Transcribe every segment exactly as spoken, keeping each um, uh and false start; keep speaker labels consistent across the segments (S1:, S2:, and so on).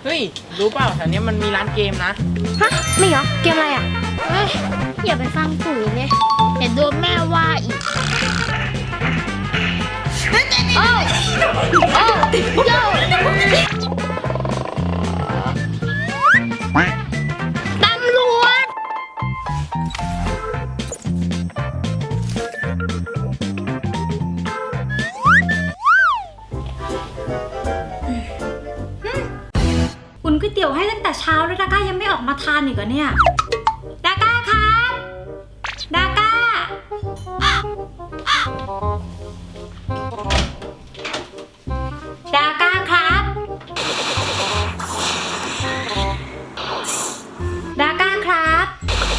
S1: เฮ้ยรู้เปล่าแถวนี้มันมีร้านเกมนะ
S2: ฮะไม่เหรอเกมอะไรอ่ะ
S3: เฮ้ยอย่าไปฟังปุ๋ยเลยเดี๋ยวโดนแม่ว่าอีกโอ้โอ้โย่ตำรวจ
S2: อุ่นก๋วยเตี๋ยวให้ตั้งแต่เช้าแล้วดาก้ายังไม่ออกมาทานอีกเหรอเนี่ยดาก้าครับดาก้าดาก้าครับดาก้าครับ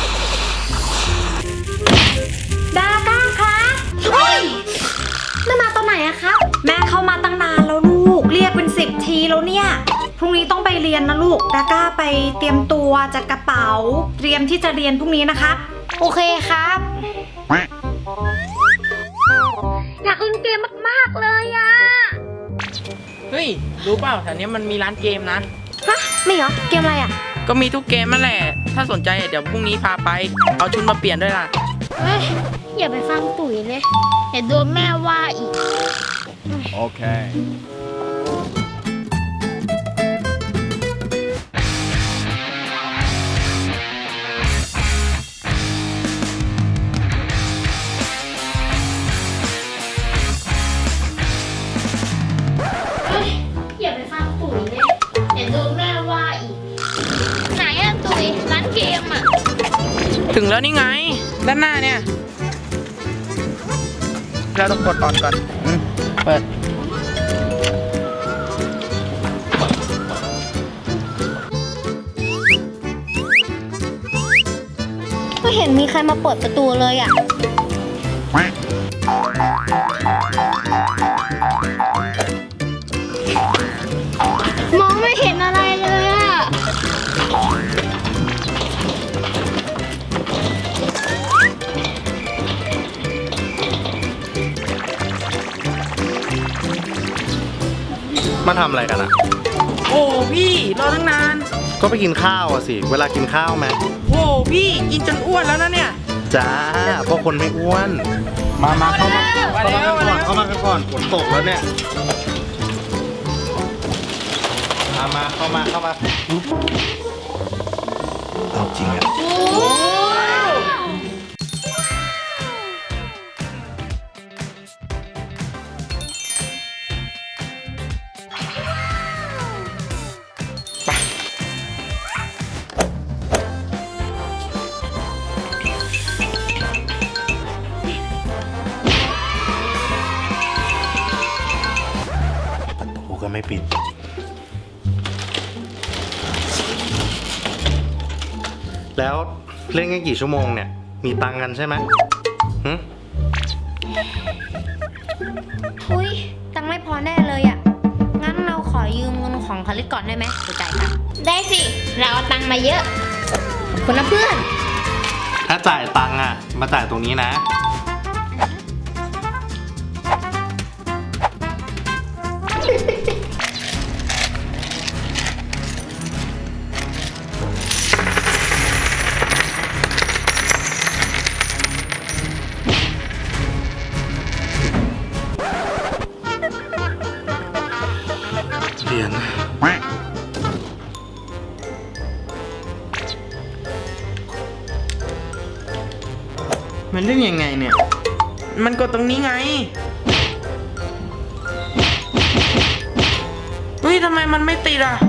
S2: ดาก้าครับเฮ้ยแม่มาตอนไหนอะครับแม่เข้ามาตั้งนานแล้วลูกเรียกเป็นสิบทีแล้วเนี่ยพรุ่งนี้ต้องไปเรียนนะลูกดาก้าไปเตรียมตัวจัดกระเป๋าเตรียมที่จะเรียนพรุ่งนี้นะครับโอเคครับอยากเล่นเกมมากๆเลยอะ
S1: เฮ้ยรู้เปล่าแถวนี้มันมีร้านเกมนะ
S2: ฮะไม่เหรอเกมอะไรอะ
S1: ก็มีทุกเกมนั่นแหละถ้าสนใจเดี๋ยวพรุ่งนี้พาไปเอาชุดมาเปลี่ยนด้วยล่ะ
S3: เฮ้ยอย่าไปฟังปุ๋ยเลยเดี๋ยวโดนแม่ว่าอีก
S4: โอเค
S3: อย่าไปฟังปุ๋ยเลยเดี๋ยวโดนแม่ว่าอีกไหนอะตุ๋ยร้านเกมอะ
S1: ถึงแล้วนี่ไงด้านหน้าเนี่ยเราต้องกดออนก่อนอืมเปิด
S2: ไม่เห็นมีใครมาเปิดประตูเลยอ่ะ
S3: มองไม่เห็นอะไรเลยอะ
S4: มาทำอะไรกันอ่ะ
S1: โอ้พี่รอตั้งนาน
S4: ก็ไปกินข้าวอ่ะสิเวลากินข้าวไหม
S1: โอ้พี่กินจนอ้วนแล้วนะเนี่ย
S4: จ้าเพราะคนไม่อ้วนมามาเข้ามาเข้ามากันก่อนเข้ามากันก่อนฝนตกแล้วเนี่ยมามาเข้ามาเข้ามาเอาจริงอ่ะก็ไม่ปิดแล้วเล่นกันกี่ชั่วโมงเนี่ยมีตังค์กันใช่ไหมหึ
S2: อุ้ยตังค์ไม่พอแน่เลยอ่ะงั้นเราขอยืมเงินของคาริสก่อนได้ไหมจะจ่ายตังค์
S3: ได้สิเราเอาตังค์มาเยอะขอบคุณนะเพื่อน
S4: ถ้าจ่ายตังค์อ่ะมาจ่ายตรงนี้นะเรียน
S1: มันเล่นยังไงเนี่ยมันกดตรงนี้ไงเฮ้ยทำไมมันไม่ติดอ่ะ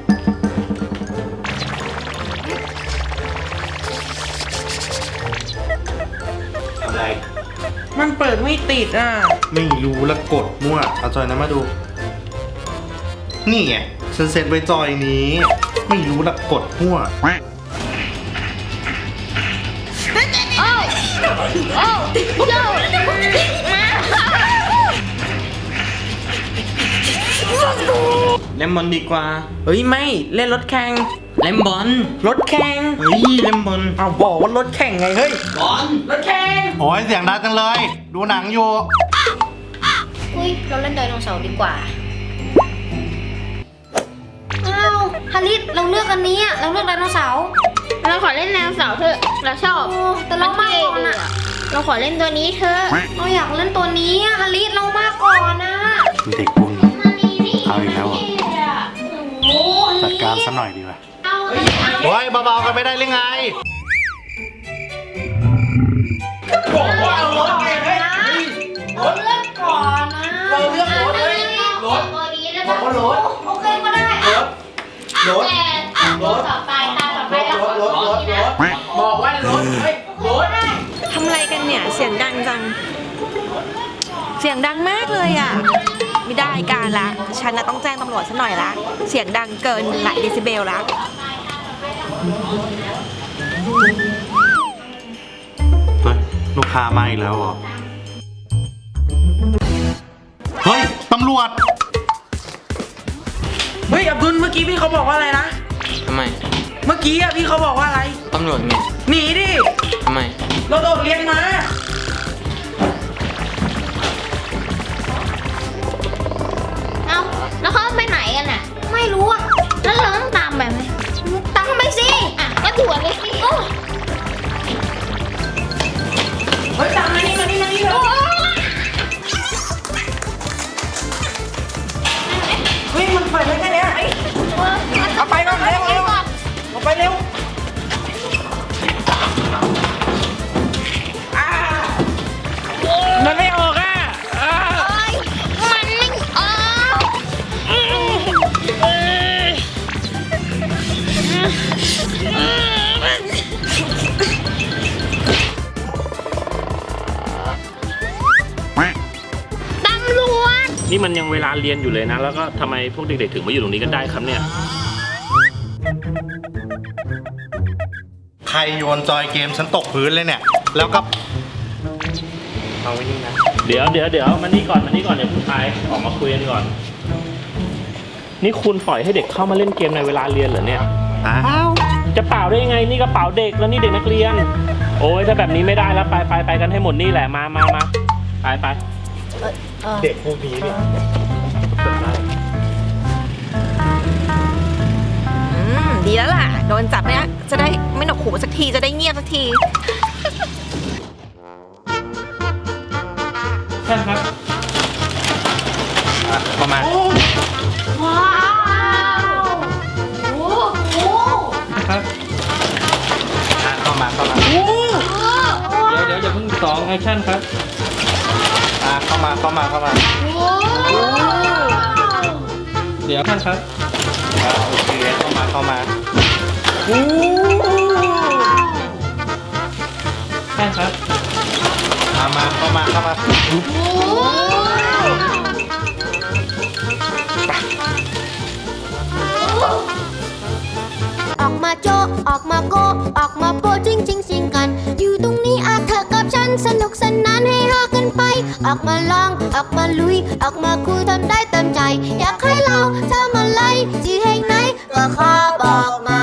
S4: อะไร
S1: มันเปิดไม่ติดอ่ะ
S4: ไม่รู้แล้วกดมั่วเอาจอยนั้นมาดูนี่ไงฉันเซ็ตไว้จอยนี้ไม่รู้ละกดมั่ว
S3: โอ้โอ้โย่
S1: เล่นบอลดีกว่าเฮ้ยไม่เล่นรถแข่งเล่นบอลรถแข่ง
S4: เฮ้ยเล่นบอล
S1: เอาบอกว่ารถแข่งไงเฮ้ยบอลรถแข่ง
S4: โอ้ยเสียงดังจังเลยดูหนังอยู่
S2: อุ้ยเราเล่นไดโนเสาร์ดีกว่าอ้าวฮาริสเราเลือกอันนี้อะเราเลือกไดโนเสาร์
S3: เราขอเล่นแนวเสาร์เถอะเราชอบ
S2: โอ้แต่เรามากก่อนอะ
S3: เราขอเล่นตัวนี้เถอะ
S2: เราอยากเล่นตัวนี้อะฮาริสเรามากก่อนนะ
S4: เด็กบุญ
S3: มานี่นี่
S4: เอาอีกแล้วเหรอ
S3: โอ้ย
S4: จัดการซะหน่อยดีกว่า
S3: เอา
S4: โอ้ยเบาๆกันไม่ได้หรือไง
S1: บอกว่าเอารถไงเฮ้ย
S2: เราเลือกก่อนนะ
S1: เราเลือกรถเลยรถ
S3: ตัวนี้แล้ว
S1: บอกว่ารถ
S2: โอเคก็ได้
S1: รถรถ
S3: แต่ตัวต่อไปตาต่อไปเราขอ
S1: รถรถรถบอกว่ารถเฮ้ยรถ
S5: ทำอะไรกันเนี่ย เสียงดังจัง เสียงดังมากเลยอ่ะ ไม่ได้การละ ฉันน่ะต้องแจ้งตำรวจซะหน่อยละ เสียงดังเกินหลายเดซิเบลละ
S4: เฮ้ย ลูกค้ามาอีกแล้วเหรอ เฮ้ย ตำรวจ
S1: เฮ้ยอับดุลเมื่อกี้พี่เขาบอกว่าอะไรนะทำไม เมื่อกี้อะพี่เขาบอกว่าอะไรตำรวจไงหนีดิทำไมเราโดดเรียนมา
S3: เอาแล้วเขาไปไหนกันน่ะ
S2: ไม่รู้อะ
S3: แล้วเราต้องตามไปไหม
S2: ตามทำไมสิ
S3: อ่ะก็ถั่วเลยสิโอ้
S1: เฮ้ยตามมานี่มานี่มานี่เร็วเฮ้ยมันไปได้แค่เนี้ยเอาไปก่อนเร็วเร็วเอาไปเร็วอ่ามันไม่ออกอ่ะอ่า
S3: มันไม่ออกตำรวจ
S6: นี่มันยังเวลาเรียนอยู่เลยนะ แล้วก็ทำไมพวกเด็กๆถึงมาอยู่ตรงนี้กันได้ครับเนี่ย
S4: ใครโยนจอยเกมฉันตกพื้นเลยเนี่ย แล้วก็ เอาไว้นี่นะ
S6: เดี๋ยวเดี๋ยวเดี๋ยวมานี่ก่อนมานี่ก่อนเดี๋ยวผู้ชายออกมาคุยกันก่อน นี่คุณปล่อยให้เด็กเข้ามาเล่นเกมในเวลาเรียนเหรอเนี่ย
S4: อ้าว จะ
S6: จะเปล่าได้ยังไงนี่กระเป๋าเด็กแล้วนี่เด็กนักเรียน โอ้ยถ้าแบบนี้ไม่ได้แล้วไปไปไปกันให้หมดนี่แหละมามามาไปไป
S4: เด็กพวกนี้เนี่ย
S5: อืม ดีแล้วล่ะ โดนจับเนี่ยจะได้ไม่หนวกหูสักที จะได้เงียบสักที
S6: ใช่ครับ
S4: ประมาณ
S3: ว้าวโอ้โห
S6: ครับ
S4: อ่ะเข้ามาเข้ามา
S6: เดี๋ยวเดี๋ยวอย่าเพิ่งสองแอคชั่นครับ
S4: อ่ะเข้ามาเข้ามาเข้ามา
S6: เดี๋ยวท่านครับ
S4: อ่ะโอเคเข้ามาเข้ามา
S6: ท่านครับ
S4: มามาเข้ามาเข้ามา
S7: ออกมาโจะออกมาโกะออกมาโปะจริงจริงสิงกัน อยู่ตรงนี้อาเธอกับฉันสนุกสนานให้ฮากันไป ออกมาลอง ออกมาลุย ออกมาคุยทำได้เต็มใจ อยากให้เราทำอะไรที่แห่งไหนก็ขอบอกมา